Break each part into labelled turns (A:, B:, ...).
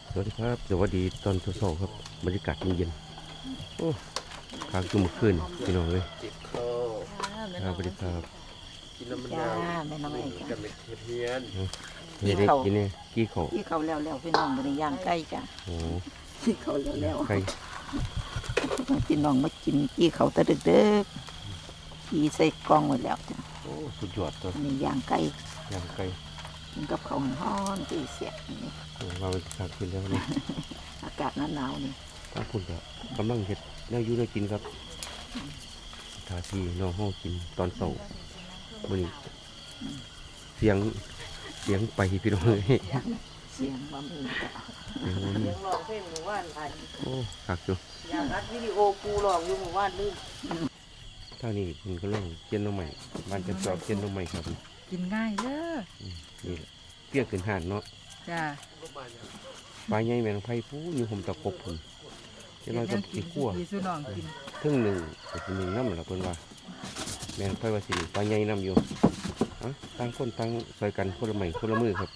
A: สวัสดีครับสวัสดีตอนเช้าๆครับบรรยากาศเย็นๆโอ้ค้างจุ่มขึ้นพี่น้องเลย
B: จิบคอ
A: ครับสวัสดีครับ
B: กินน้ำมัน
C: จ้า
B: ดาว
C: แม่น้องไอ้จ้า
B: กันเป็นเพี้ยน
A: นี่ได้กินเนี่ยกี้เขา
C: ที่เขาแล้วพี่น้องบริย่างใกล้จ้า
A: โอ้
C: ที่เขาแล้ว
A: ไก่
C: พี่น้องมากินที่เขาตะดึกๆที่ใส่กล่องไว้แล้วจ้า
A: โอ้สุดยอดตัว
C: อันนี้ย่างไก่
A: ย่างไก่
C: กินกับข้าวฮ้อนที่เสียบนี่
A: โอ้มาเป็นทางขึ้นแล้วนี่
C: อากาศหนาวๆนี่
A: ถ้าคุณก็กำลังเห็ดแนวอยู่ได้กินครับทาทีน้องห้องกินตอนเช้าวันนี้เสียงไปพี่น้องเลย
C: เสียงบะหมี่จ้า
A: เสียงบ่มี
D: เสียงร้องเพลงหมู่บ้านอัน
A: โอ้คักอยู่
D: อยากอัดวิดีโอกูร้องอยู่หมู่บ้านลืม
A: ท่านี้มันก็ล่องเจียนน้องใหม่บ้านจะจอบเจียนน้องใหม่ครับ
E: กินง่ายเด้อ
A: นี่แหละเปรี้ยวขึ้นหานเนาะ
E: จ้า
A: ปลาใหญ่แมงไผ่ผู้อยู่ห่มตะกบผมจะน้อยก็สิคั่ว
E: ดีสุน้องกิน
A: ครึ่งหนึ่งก็สิหนึ่งน้ำละเพิ่นว่าแมงไผ่ว่าสิปลาใหญ่น้ำอยู่อะต่างคนต่างซอยกันคนละไม้คนละมือครับ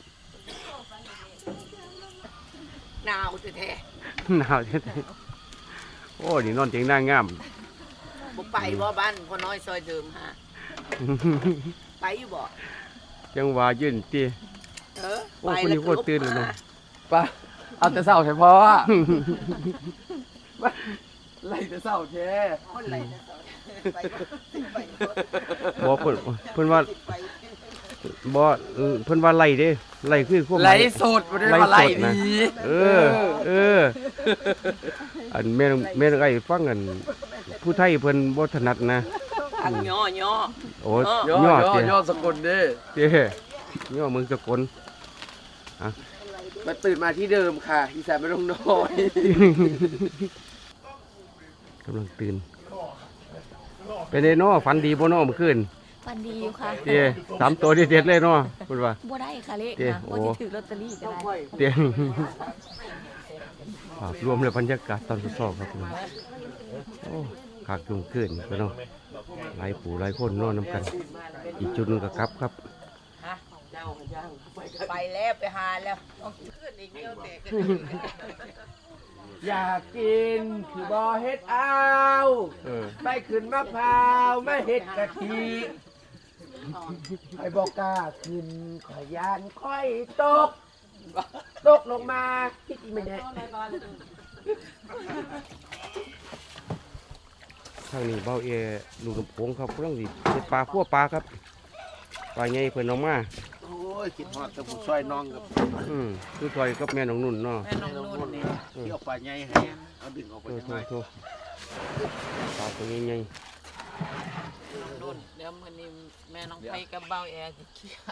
D: หนาวแท้
A: หนาวแท้ๆโอ้นี่นอนเตียงหน้างาม
D: ๆบ่ไปบ่บ้านพ่อน้อยซอยเดิมฮะไปอยู่บ่
A: จังว่ายืนเตี้ย โอ้
D: ไป
A: คนนี้
D: แล้ว
A: โคตรตื่นเลยเนาะ
B: ป่ะเอาแต่เศร้าเฉพาะไล่แต่เศร้าแท้
D: คนไหลนะไปไป
A: บ่เพิ่นว่าบ่เพิ่นว่าไล่เด้ไล่คือความห
B: ไล่
A: มาย
B: สดบ่ได้มาไล่ดี
A: เอออันแม่นไอ้ฟังกันผู้ไทยเพิ่นบ่ถนัดนะ
D: ทางย่อย่อ
A: โอ้
B: ย่
A: ย่อ
B: อ
A: เตี้ย
B: ย่อสกุลเด้
A: เตี้ยย่อเมืองสกล
B: มาตื่นมาที่เดิมค่ะอีสานไม่ลงน้อย
A: กำลังตื่นเป็นไดน้อฝันดีบ่น้อเมื่อคืน
F: ฟันดีอยู่ค่ะ
A: เตี้ย3ตัวเด็ดๆเลยน้อเพิ่นว่า
F: บ่ได้ค่ะเลข
A: เจ๊
F: นะ
A: โอ้
F: บ่ได้ถือลอตเตอรี่ก็ได้
A: เตี้ยภาพรวมเลยบรรยากาศตอนสอบครับพี่น้องโอ้ขากจุ่มขึ้นพี่น้องหลายผู้หลายคนนอนนํกัน อีกจุดหนึงก็กลับครับ
D: ไปแล้วไปหาแล้วต้องขึ้นอีกเดียวแต่ขึ้น
B: อยากกินคือบ่เฮ็ดเอา
A: เออ
B: ไปขึ้นมะพร้าวไม่เฮ็ดกะทิไอ้บอกกล้าขึ้นขอยานค่อยตกลงมาคิดอีไม่ได้
A: ทางนี้เบ้าเอลูกน้ำโขงครับเรื่องสิเฮ็ดปลาคั่วปลาครับปลาใหญ่เพิ่นเอามา
B: โอ้ยคิดฮอดแต่ผู้ช่วยน้องกับ
A: คือซอยกับแม่น้องนุ่นเนาะ
D: แม่น้องนุ่นนี่
B: ที่เอาปลาใหญ่ให้เอาดึงออกไป
A: โท
B: จังไง
A: โทปลาตัวใหญ่
D: นุ่นเดี๋ยวมื้อนี้แม่น้องไผกับเบ้าแอร์สิเคลียร์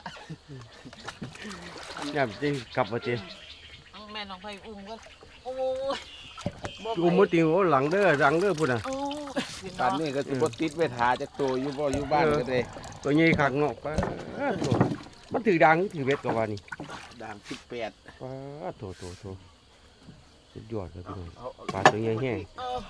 A: ๆย่ามสิกลับว่าติ
D: แม่น้องไผอุ้มก็โอ้ยบ่
A: กูบ่ติงโอ้หลังเด้อพุ่นน่ะ
D: โอ้ย
B: ตอนนี้ก็สิบ่ติดเวทาจากตัวอยู่บ่อยู่บ้านก็ได้
A: ตัวใหญ่คักเนาะปลาโถมันถือดังถือเบ็ดก็ว่านี่
B: ด่าง18
A: ปลาโถสุดยอดเลยพี่น้องปลาตัวใหญ่แห้ง
D: เออ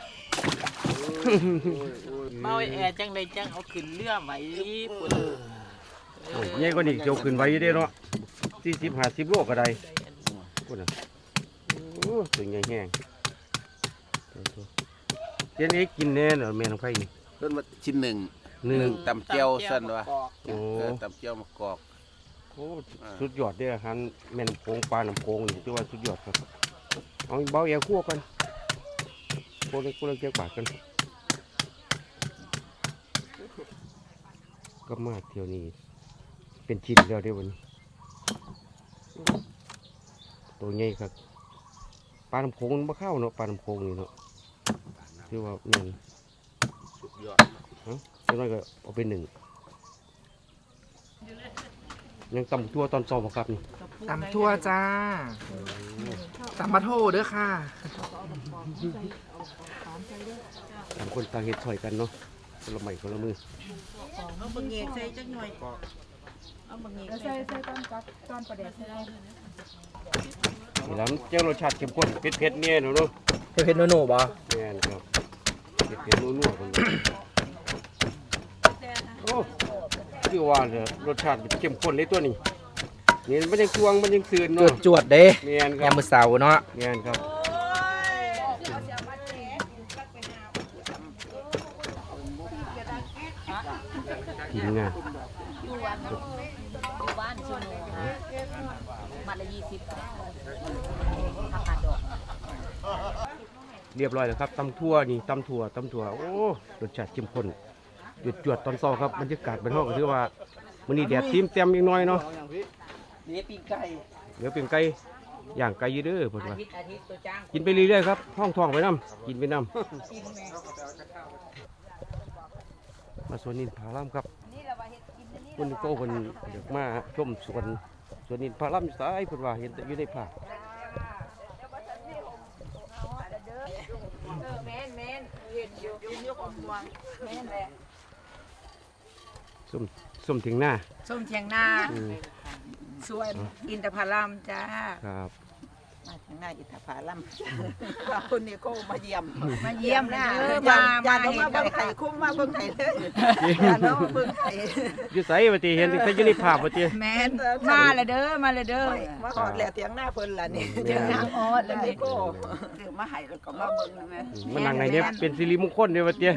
D: เบ้าแอร์จังไดจังเอาขึ้นเรือไว้พุ่น
A: โอ้ยใหญ่กว่านี้เจียวขึ้นไว้อยู่เด้เนาะ40-50โลก็ได้พุ่นน่ะโอ้ตัวใหญ่แห้งโถเดี๋ยวนี้กินแน่เนาะแม่น้องไผนี่
B: เพิ่นว่าชิ้นหนึ่ง
A: หนึ่ง
B: ตำเจียวซั่นว่า
A: โอ้
B: ตำเจียวมะกอก
A: โอ้สุดยอดเด้ออาหารแม่น้ำโขงปลาน้ำโขงนี่ถือว่าสุดยอดครับเอาเบาแอร์คั่วกันคั่วเลยคั่วเลยเกี่ยวปากกันก็มาเที่ยวนี้เป็นชิ้นแล้วเด้อวันนี้ตัวใหญ่ครับปลาน้ำโขงมันบ่เข้าเนาะปลาน้ำโขงนี่เนาะถือว่าแม่น
B: สุดยอด
A: จังน้อยก็เอาไปหนึ่งยังตำตัวตอนสอบบ่ครับนี่
E: ตำทั่วจ้าตำมาโทเด้อค่ะ
A: ต่างคนต่างเห็ดถอยกันเนาะคนละไม้คนละมือ
D: เอาบังเงกใส่จักหน่อยเอาบังเงกใส่
A: นี่แล้วเจ้ารสชาติเข้มข้นเผ็ดๆเนี่ยเนาะ
E: เผ็ดโนบ่
A: แม่นครับเผ็ดๆนัวๆกันเลยโอ้คือว่าเนี่ยรสชาติเข้มข้นเลยตัวนี้นี่มันยังช่วงมันยังตื่น
E: จว
A: เนาะ
E: ดจวดเด้
A: เมียนค
E: ยา
A: รับ
E: มมื้อเสาร์เนาะ
A: เมียนครับกินงาน
F: อยู่บ้านชั่วโมงมัดละ20ผักกาดดอก
A: เรียบร้อยแล้วครับตำทั่วนี่ตำถั่วโอ้รสชาติเข้มข้นหยุดจวดตอนเช้าครับบรรยากาศเป็นห้องก็ถือว่ามื้อนี้แดดทิมเต็มอีกหน่อยเนาะ
B: นี่ปีไก่
A: เดี๋ยวเป็นไก่ย่างไก่อยืดเด้อเพิ่นว่า
D: อาทิตย์ตัวจ้าง
A: กินไปเรื่อยๆครับห้องท้องไปน้ำกินไปน้ำมาสวนนินพารามครับคนโก้คนอยากมาชมสวนนินพารามอยู่ซ้ายเพิ่นว่าเห็นแต่อยู่ในภาพ
D: แม่นเห็นอยู่ของวางแม่นแหละ
A: ส้มถึงหน้า
D: ส้มเทียงนา
A: อืม
D: สวนอินทผลัมจ้า
A: ครับ
C: มาทางหน้าอิทธผลัมคุณนี่ก็มาเยี่ยม
D: มาเยี่ยมนะมา
C: อย่า
D: เห็
C: มาน เบิ่งไข่คุ้มมาเบิ่งไข่เด้ออย่าเนาะเบิ่งไข่
A: อยู่ไสว่าติเห็นแต่อยู่ในภาพว่าติ
D: แม่นมาเลยเด้อมาเลยเด้อ
C: มาหอดแล้วเตียงหน้าเพิ่นล่ะนี่
A: แม่น
D: นางออดแล้ว
C: นี่
D: นี่
C: ก็คือมาให้แล้วก็มาเบิ่งแม่
A: มันนั่งในเนี้ยเป็นสิริมงคลเด้อว่าติ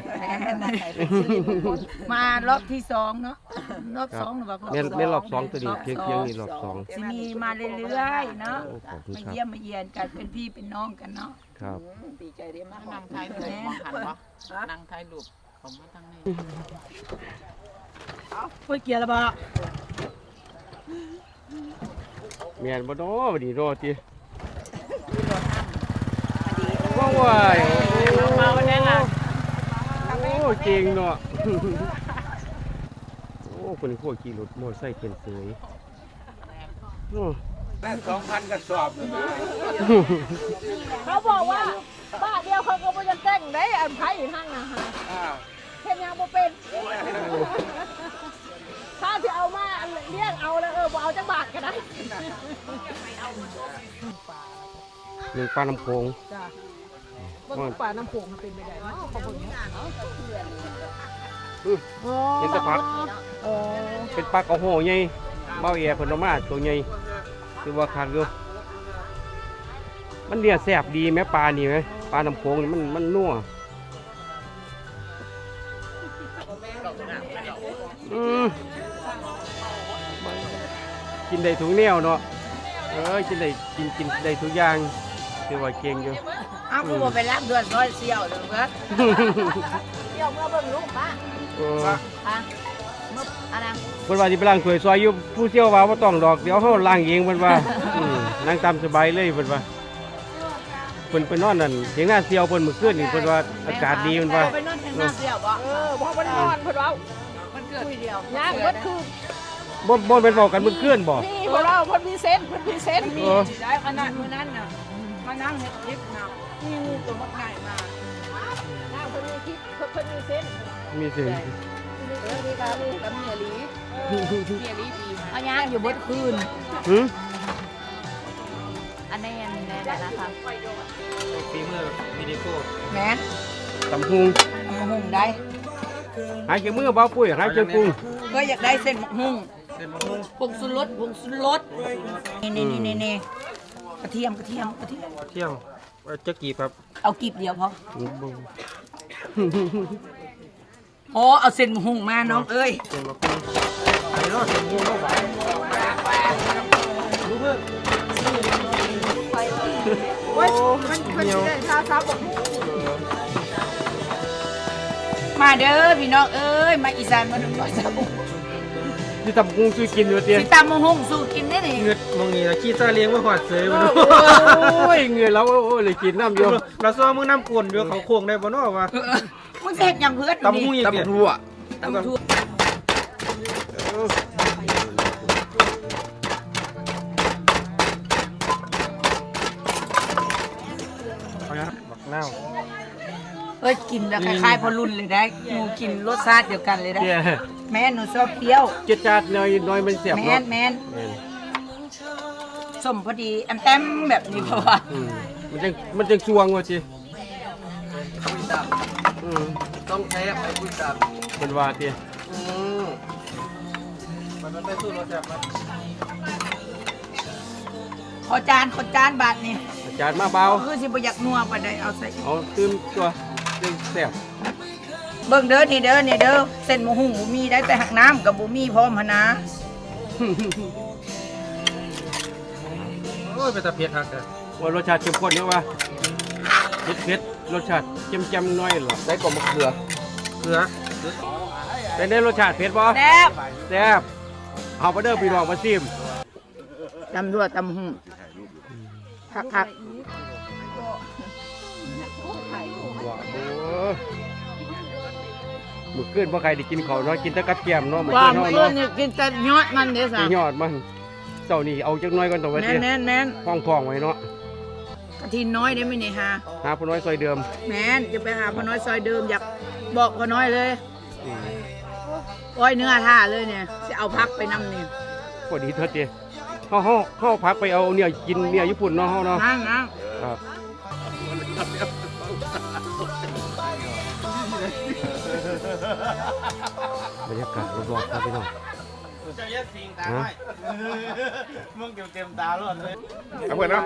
D: มารอบที่2เนาะรอบ2หรือว่า
A: แม่นรอบ2ตัวนี้เพียงนี่รอบ2
D: สิมีมาเรื่อยๆเนาะ
A: โอ้ขอบคุณ
D: มา
A: ครับ
D: เยี่ยมมาเยียนกันเป็นพี่เป็นน้องกันเนาะ
A: ครับ
C: ดีใจได้มาก
G: นั่งท้ายรูปมองหันปะนั่งท้ายรูปผมมาทางนี้
D: พูดเกียร์ละบ่
A: แม่นบ่เนาะบัดนี้รอติว้ายเมาแน่ล่ะโอ้เก่งเนาะโอ้คนนี้พวกขี่รถมอเตอร์ไซค์เป็นเสยโอ้
B: แม่2,000กระสอบ
F: เขาบอกว่าบ้านเดียวเขาก็บ่จะแต่งได้อันไผหั่นน่ะฮะเฮ็ดหยังบ่เป็นถ้าสิเอามาอันเลี้ยงเอาแล้วบ่เอาจักบาทก็ได้
A: หนึ่งปลาน้ำโขง
F: จ้ะบ่ป่าน้ำโขงมันเป็นไปได้เนาะเขาเบิ่งเนาะ
A: เห็นแตะพัก
F: อ๋อ
A: เป็นปลากระโหใหญ่เบ้าแย่เพิ่นเอามาตัวใหญ่คือว่าคักอยู่มันเนี่ยแซ่บดีแม่ปลานี่ไหมปลาน้ำโขงนี่มันนัวกินได้ทุกแนวเนาะกินได้ทุกอย่างคือว่าเก่งอยู่
D: เอาคือบ่ไปรับเดือนร้อยเสี่ยวเด้อครับ
F: เดี๋ยวเมื่อเบิ่งลูกป้า
A: เออ
F: ฮะเมื่ออันนั้น
A: เพิ่นว่าสิไปล้างถ้วยซอยอยู่ผู้เชี่ยวว่าบ่ต้องดอกเดี๋ยวเฮาล้างเองเพิ่นว่านั่งตามสบายเลยเพิ่นว่าเพิ่นไปนอนนั่นเถียงหน้าเสี่ยวเพิ่นมื้อคืนนี่เพิ่นว่าอากาศดีเพิ่นว่า
D: ไปนอนทางหน้าเสี่ยวบ่
F: พอมันนอนเพิ่นเว้า
D: มันเกิดคุยเดียว
F: ย่างเบิดคือ
A: บ่เป็นบอกกันมื้อคืนบ่
F: นี่พวกเราเพิ่นมีเซนส์เพิ่นมีเซนส์
D: มีได้ขนาดมื้อนั้นน่ะมานั่งเฮ็ดคลิปน่ะมีงูตัวมักง่ายมา
F: ย่างเพิ่นมีคิดเพิ่นมีเซนส์
A: มีเสียง
F: มีกามีกับเมียลีเมียลีดีเอาย่างอยู่เบิดคืน
A: หึ
F: อันนี้อันนี้นะคะ
E: ฝีมือวิดีโอ
D: แม่น
A: ตำหุง
D: มะฮุ่งได้
A: หายใจมือบ่ปุ้ยหายใจกุ้ง
D: ก็อยากได้เส้นมะฮุ่ง
E: เส้นมะม่วง
D: ผงสุรสนี่กระเทียม
E: เที่ยวจะกี่ครับ
D: เอากีบเดียวพอ
A: บ่
D: โอ้เอาเส้นมะฮุ่งมาน้องเอ้ย
E: เส้นมะม่วงไอ้เนาะเส้นมะม่วงเข้าไปรู้เพิ่ม
A: เหนียว
D: มาเด้อพี่น้องเอ้ยมาอีสานมาดูก่อนจ้า
A: สิตำกุ้งซื้อกินอยู่เตี้ย
D: สิตามมะฮุ่งสู้กินได้นี่
E: เงือดมองนี่นะขี้ซาเลี้ยงมาหอดเสยมาดู
A: โอ้ยเหงื่อแล้วโอ้ยเลยกินน้ำอยู่
E: เราซ้อมมือน้ำกวนอยู่เขาโค้งได้บ่เนาะวะ
D: มึงเสกอย่างเพื่อน
E: ตำหุ้งอีกเนี่ย
D: ตำทั่ว
E: เอาละบักนาว
D: เอ้ยกินแล้วคล้ายๆพอรุ่นเลยได้หนูกินรสชาติเดียวกันเลยได้
A: เตี้ย
D: แม่หนูชอบเปรี้ยว
A: เจ็ดจาดหน่อยมันเสียบ
D: แม่
A: เนาะ
D: นแม่น
A: แม่น
D: สมพอดีแอมแต้มแบบนี้เพราะว่า
A: มันจังสวงว่าจิอืม
B: ต้องแซ่บไปคุยกับ
A: เป็นว่าเตี้ย
E: มันได้สู้รสแซ่บมัน
C: ขอจานบาทนี่
A: อาจารย์มาเบา
C: คือสิบ่อยากนัวปานใดเอาใส่
A: เอาตื่มตัวเรื่องแซ่บ
C: เบิ่งเด้อนี่เด้อเส้นหมูหุงบ่มีได้แต่หักน้ำกับบ่มีพร้อมหั่นนะ
E: โอ้ยเป็นตะเพียดฮักอะ
A: ว่ารสชาติเข้มข้นเนี่ยวะเผ็ดๆรสชาติเค็มๆหน่อยหรอ
B: ได้กลมมะเขือ
E: เกลือ
A: เป็นได้รสชาติเผ็ดบ่
C: แซ่บ
A: แซ่บเอาไปเด้อพี่น้องมาซิม
C: ตำทั่วตำหุ่งคัก
A: ว้าวมื้อคืนบ่ใครได้กินข้าวเนาะกินแต่กับแกล้มเนาะมื้อ
C: ๆว่า
A: คืน
C: มื้อ
A: เนาะ
C: อื่นนี่กินแต่ยอดมันเด้อ
A: สิ
C: ซะ
A: ยอดมันเจ้านี่เอาจักหน่อยก่อนตัวไว้
C: แม่
A: ติ
C: นแม่น
A: ห้องทองไว้เนาะ
C: กะทิน้อยได้ไหมนี่ฮะ
A: หาผู้น้อยซอยเดิม
C: แม่นจะไปหาพ่อน้อยซอยเดิมอยากบอกพ่อน้อยเลย
A: อืม
C: อ้อยเนื้อท่าเลยเนี่ยจะเอาพักไปนำนี่
A: พอดีเถิดติเฮาพักไปเอาเนี่ยกินเนี่ยญี่ปุ่นเนาะเฮาเนาะ
C: นั่ง
A: ครับบรรยากาศรอบๆครับพี่น้องฮะ
B: เอาเพื่อนเนาะ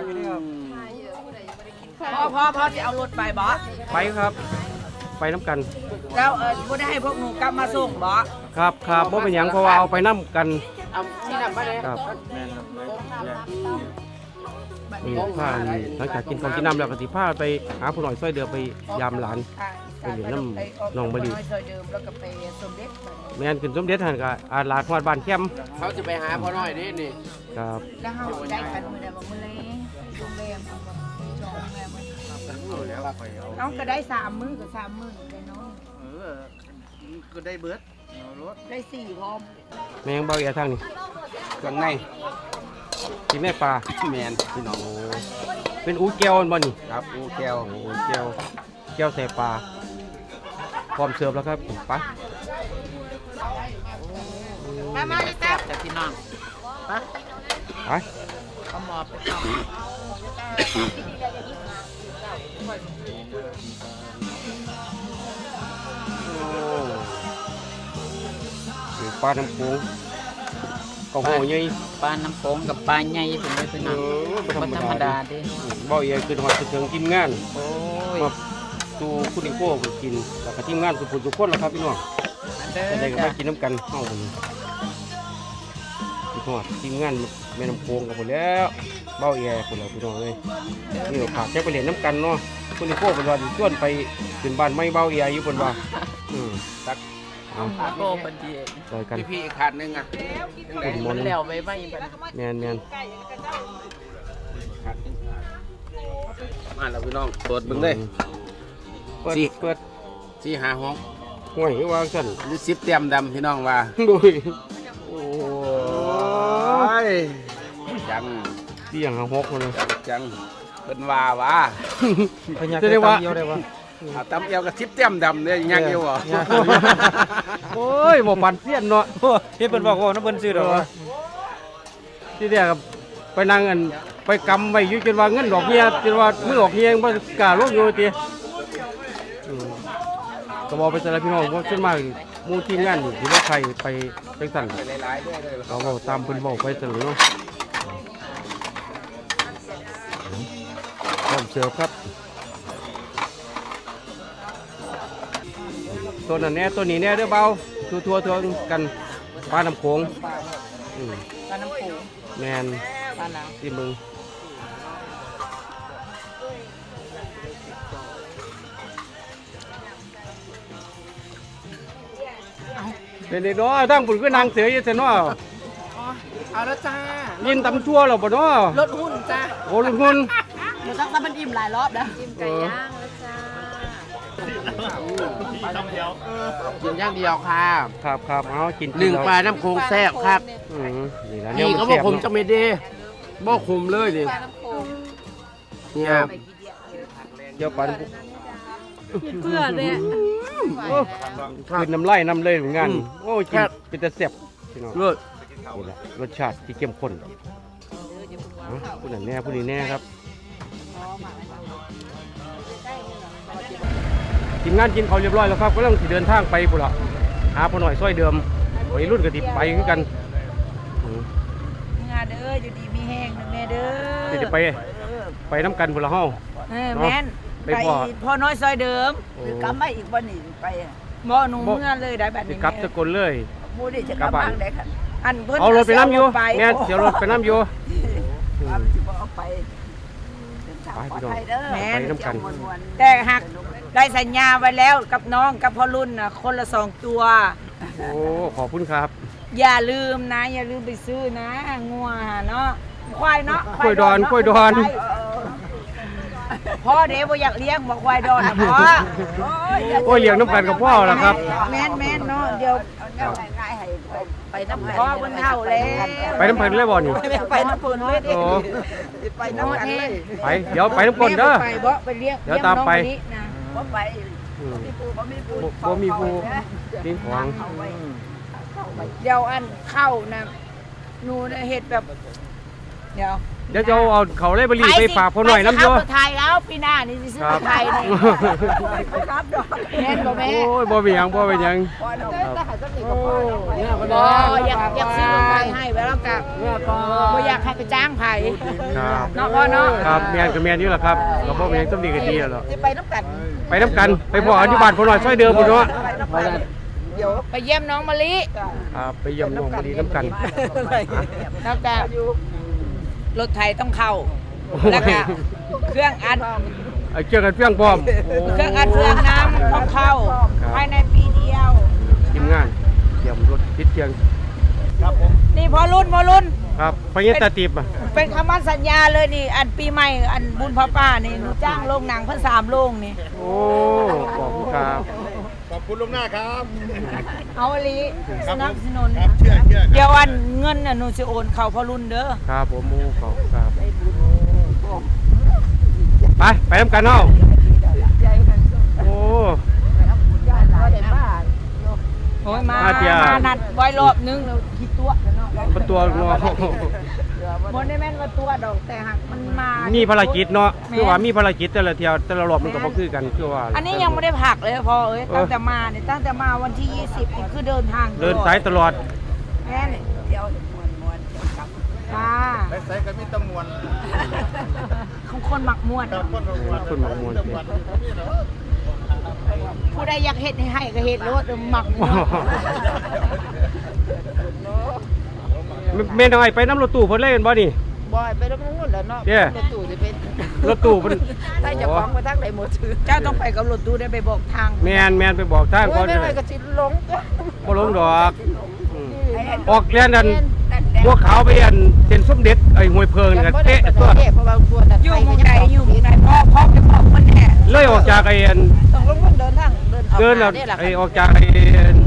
C: พ่อจะเอารถไปบอส
A: ไปครับ ไปน้ำกัน
C: แล้วบ่ได้ให้พวกหนูกลับมาส่งบอส
A: ครับครับบ่เป็นหยังเพราะว่าเอาไปน้ำกัน
B: เอาที่นำมาเลย
A: ครับนี่พานี่หลังจากกินข้าวกินน้ำแล้วก็สิพาไปหาผู้หน่อยซอยเดือไปยามหลาน ไปเหรียญน้ำหนองมะลิ
C: ซอยเดิมแล้วก็ไปสมเด็จ
A: แม่นขึ้นสมเด็จหันก็อาลาดฮอดบ้านแคมป์
B: เขาจะไปหาพ่อน้อยนี่นี่
A: ครับ
C: แล้วเฮาได้กันมื้อใดบ่มื้อเลยโรงแรมเอาบ่จองโรงแรมเอาก็ได้3 มื้อก็3 มื้อได้เนาะ
E: ก็ได้เบิดรถ
C: ได้4พร้อม
A: แม่งเบาเอียทางนี่
B: เครื่องใน
A: กินแม่ปลา
B: แมนพี่น้อง
A: โอ้เป็นอูแก้วบ่นี่
B: ครับอูแก้ว
A: โอ้แก้วใส่ปลาพร้อมเสิร์ฟแล้วครับไป
C: มาดิแซ่บ
G: แต่พี่น้อง
A: ไป
G: เขาหมอบไปเข้า
A: นี่ปลาน้ำโขงกระโหใหญ่
G: ปลาน้ำโขงกับปลาใหญ่เป็นเลยพี่น้อง
A: บ่
G: บ่ธรรมดาเด้
A: เบาเอียคือฮอดถึงทีมงาน
G: โอ้ย
A: มาสู่คุณนิโก้ไปกินแล้วก็ทีมงานสุขุมทุกคนแล้วครับพี่น้อง
G: เด้
A: จะได้
G: อ
A: ก็
G: จ้ะ
A: มากินน้ำกันเฮาคนนี้พี่ทอดทีมงานแม่น้ำโขงกับหมดแล้วเบ้าแย่คนแล้วพี่น้องเลยนี่ฝากแค่ไปเรียนน้ำกันเนาะคุณนิโก้เป็นวันชวนไปขึ้นบ้านไม่เบ้าแย่อยู่บนว่าตักเอา
G: โอ้บันดี
A: ซอยกัน
B: พี่อีกขาดนึงอ่ะ
A: คุณม
G: มัน น
A: ต์
G: แล้วไว้ไว้บัด
A: แมน
B: มาแล้วพี่น้องเปิดเบิ่งเลย
A: เปิด
B: สิ
A: เปิด
B: ที่หาห้อง
A: ห่วยวางสั่น
B: หรือ10เต็มดำพี่น้องว่า
A: ดุย
B: โอ้ยจัง
A: เสี่ยงหาหกคนเลย
B: จังเพิ่นว่าว่า
A: จะได้ว่า
B: เอาตำเอวกับ10เต็มดำเนี่ยยังอยู่บ่
A: โอ้ยบ่ปันเสี้ยนเนาะ
E: พี่เพิ่นบอกว่าน้ำเพิ่นซื้อดอก
A: ที่เดียกับไปนั่งกันไปกำไว้อยู่จนว่าเงินดอกเบี้ยจนว่ามือออกเฮียงบ่กล้าลงอยู่ติก็บอกไปสารพี่น้องว่าขึ้นมาหมู่ทีมงานนี่ที่ว่าใครไปจังซั่น
B: หลายๆด้วยเลย
A: เราก็ตามเพิ่นบอกไปซั่นเนาะพร้อมเสิร์ฟครับตัวนั้นแน่ตัวนี้แน่เด้อเบาทั่วๆกันปลาน้ำโขงอืม
G: ปลาน้ำโขง
A: แมน
G: ปลาหนัง
A: ที่มึงเป็นเด็กน้อยตั้งปุ่นก็นางเสืออยู่เสยเนาะ
C: เอาแล้วจ้า
A: ยินตำทั่วเราบ่เนาะ
C: รถหุ้นจ้า
A: โอ้ลุงคุณ
C: หนูต้องมันอิ่มหลายรอบแล้ว
A: ไก่ย่าง
B: กินอย่างเดียวค่ะ
A: ครับเอากิน
B: หนึ่งปลาน้ำโขงแซ่บครับ
A: นี่ละ
B: นี่เขาบอกผมจะไม่ดีบ่คุมเลยดิเนี่ย
A: เดี๋ยวปัน
F: เพื่อเนี่ย
A: คืนน้ำลายน้ำเลยเหมือนกันโอ้กินเป็นแต่แซ่บพี่น้อง
B: เลิศ
A: นี่แหละรสชาติที่เข้มข้นผู้นั้นแน่ผู้นี้แน่ครับทีมงานกินเขาวเรียบร้อยแล้วครับก็ต้องสิเดินทางไปพุ่นละหาพ่อหน่อยซอยเดิมวัยรุ่นก็ติไปคือกัน
C: งานเด้อด้ออยู่ดีมีแห้งนะแม่เด้อ
A: สิไปน้ำกันพุ่นละเฮา
C: แม่น
A: ไป
C: ไป
A: พ่อ
C: พ่อน้อยซอยเดิม
D: คือกลับมาอีกบ่นี่ไป
C: บ่หนูเมื่อเลยได้แบบ
A: สิ
C: นี้
A: กลับสกลเลย
D: มูนี่จะกลับบ้านได้ค่ะ
C: อันเพิ่น
A: เอารถไปน้ำอยู่
C: ไป
A: แม่นเสียรถไปน้ำอยู่
D: ว่ามันสิบ่เอาไปเดินทางปลอดภัยเด้อ
A: ไปน้ำกัน
C: แต่หักได้สัญญาไว้แล้วกับน้องกับพ่อรุ่นน่ะคนละ2ตัว
A: โอ้ขอบคุณครับ
C: อย่าลืมนะ อย่าลืมไปซื้อนะงัวเนาะควายเนาะ
A: กล้วยดอนกล้วยดอน
C: พ่อเดี๋ยวบ่อยากเลี้ยงบอกควายดอนนะพ่อ
A: โอ้ยเลี้ยงน้ำกันกับพ่อแล้วครับ
C: แม่นเนาะเดี๋ยว
D: เอาง่ายๆให้ไปน้ำ
C: พ่อเพิ่นเฒ่าแล้ว
A: ไปน้ำกันเลยบ่นี่
D: ไปน้ำเพิ่นเลยดิ
A: โอ้
D: ไปน้ำกันเลย
A: ไปเดี๋ยวไปน้ำกันเด้อ
C: แม่บ่ไปบ่ไปเลี้ยง
A: เดี๋ยวตามไป
C: เลี้ยงน้องมะลินะ
D: บ่ไป
A: อืม
D: บ่มีปู
A: บ่มีผู้ทิ้งของ
D: เอาไว้
C: เดี๋ยวอันเข้านะหนูน่ะเฮ็ดแบบเดี๋ยว
A: เดี๋ยวจะเอาเขาไล่บรีไปฝากพ่อหน่อยน้ำโย
C: ไปสิเข้าไทยแล้วปีหน้านี่สิซื้อไทยนี่
D: ครับดอก
C: แม่นบ่แม่
A: โอ้ยบ่เป็นหยังบ่เป็นหยัง
D: พอดอกแต่หาสติก็พอดอกไว้
C: บ่อยากซื้อไทยให้ไว้แล้วกับบ่อยากให้ไปจ้างไผ
A: ครับ
C: เนาะพ่อเนาะ
A: ครับแม่นก็แม่นอยู่ล่ะครับก็บ่เป็นหยังต้องดีกันดีแล้วล่ะ
D: สิไปน้ำกัน
A: ไปน้ำกันไปพ่ออนุบาลพ่อหน่อยซอยเดิมพุ่นเนาะ
D: ไปน้ำกันเดี๋ยว
C: ไปเยี่ยมน้องมะลิ
A: ครับไปเยี่ยมน้องบ่ดีน้ำกัน
C: แล้วแต่รถไทยต้องเข้า แล้วก็เครื่องอัด
A: ไอ้เกี่ยวกันเพียงพร้อมโอ้
C: เครื่องอัดเครื่องน้ำต้องเข้า ภายในปีเดียว
A: ทีมงานเยี่ยมรถพิษเทียง
C: นี่พอรุ่น
A: ครับไปเงี้ยตาติบอ่ะ
C: เป็นคำมั่นสัญญาเลยนี่ อันปีใหม่อันบุญพระป้านี่หนูจ้างโรงหนังเพิ่น3โรงนี่
A: โอ้ขอบคุณครับ
E: ขอบคุณลุงหน้าครับ
C: เอาอลีสนับสนุน
E: ครับเชื่อ
C: เดี๋ยวอันเงินน่ะหนูสิโอนเข้าพอรุ่นเด้อ
A: ครับผมโอ้ขอบคุณครับไปน้ำกันเนาะโอ้
C: โอ้ยมา
A: มาเที่ยว
C: มานัดไว้รอบนึงแล้วคิดตัวเนาะ
A: เป็นตัวเนาะ
C: บ่ได้แม่นว่าตัวดอกแต่หักมันมา
A: มีภารกิจเนาะคือว่ามีภารกิจแต่ละเที่ยวแต่ละรอบมันก็บ่คือกันคือว่า
C: อันนี้ยังไม่ได้ผักเลยพอเอ้ยตั้งแต่มาเนี่ยตั้งแต่มาวันที่ 20นี่คือเดินทาง
A: เดินสายตลอด
C: แม่นี่
D: เดี๋ยวมวนๆเดี๋ยวกลับ
C: ค่ะ
E: ไปใส่กันมีตำมวน
C: ของคนหมักม่วน
E: กับคนตำมวน
A: คนหมักมวน
C: ผู้ใดอยากเฮ็ดให้ก็เฮ็ดรถหมักม่วน
A: แม่น้อยไปน้ำรถตู้เพิ่นเล่นบ่นี่
D: บ่อยไปแล้วมันงุ่นแล้วเนาะ
A: เย้
D: รถตู้จะเป็น
A: รถตู้เพิ่น
D: ถ้าจะฟ้องไปทางไหนหมดถือ
C: เจ้าต้องไปกับรถตู้ได้ไปบอกทาง
A: แม่นไปบอกทาง
D: โอ้
A: ก่อย น
D: ไม่ไหวก็สิหลง
A: บ่ลงดอกอืมออกเรียนนั่นบัวขาวไปอันเส้นสมเด็จไอ้ห้วยเพิงนี่ก็เตะตัว
D: เพราะว่าตัวนั้น
C: อยู่หมุงใดอยู่หมุงใดพ่อไปบอกคนแน่
A: เลยออกจากไอ้อัน
D: ต้องลงเดินทาง
A: เดิน
D: เอา
A: น่ะ
D: นี่แหละ
A: ไอ้ออกจากไอ้อัน